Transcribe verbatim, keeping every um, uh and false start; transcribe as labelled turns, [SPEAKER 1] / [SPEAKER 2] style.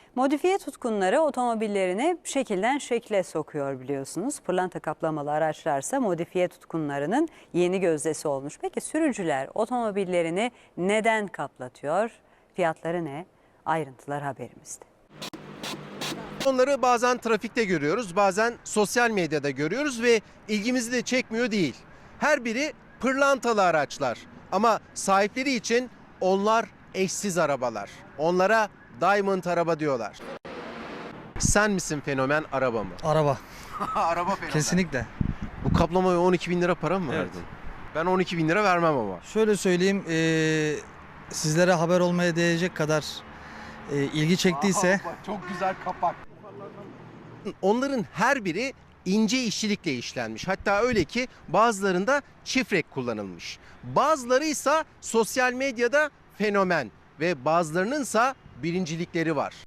[SPEAKER 1] Modifiye tutkunları otomobillerini şekilden şekle sokuyor biliyorsunuz. Pırlanta kaplamalı araçlarsa modifiye tutkunlarının yeni gözdesi olmuş. Peki sürücüler otomobillerini neden kaplatıyor? Fiyatları ne? Ayrıntılar haberimizde.
[SPEAKER 2] Onları bazen trafikte görüyoruz, bazen sosyal medyada görüyoruz ve ilgimizi de çekmiyor değil. Her biri pırlantalı araçlar ama sahipleri için onlar eşsiz arabalar. Onlara Diamond araba diyorlar. Sen misin fenomen, araba mı?
[SPEAKER 3] Araba.
[SPEAKER 2] Araba fenomen.
[SPEAKER 3] Kesinlikle.
[SPEAKER 2] Bu kaplamaya on iki bin lira para mı
[SPEAKER 3] Evet.
[SPEAKER 2] verdin? Ben on iki bin lira vermem ama.
[SPEAKER 3] Şöyle söyleyeyim, eee, sizlere haber olmaya değecek kadar eee, ilgi çektiyse
[SPEAKER 2] Aa, bak, çok güzel kapak. Onların her biri ince işçilikle işlenmiş. Hatta öyle ki bazılarında çift renk kullanılmış. Bazıları ise sosyal medyada fenomen ve bazılarının ise birincilikleri var.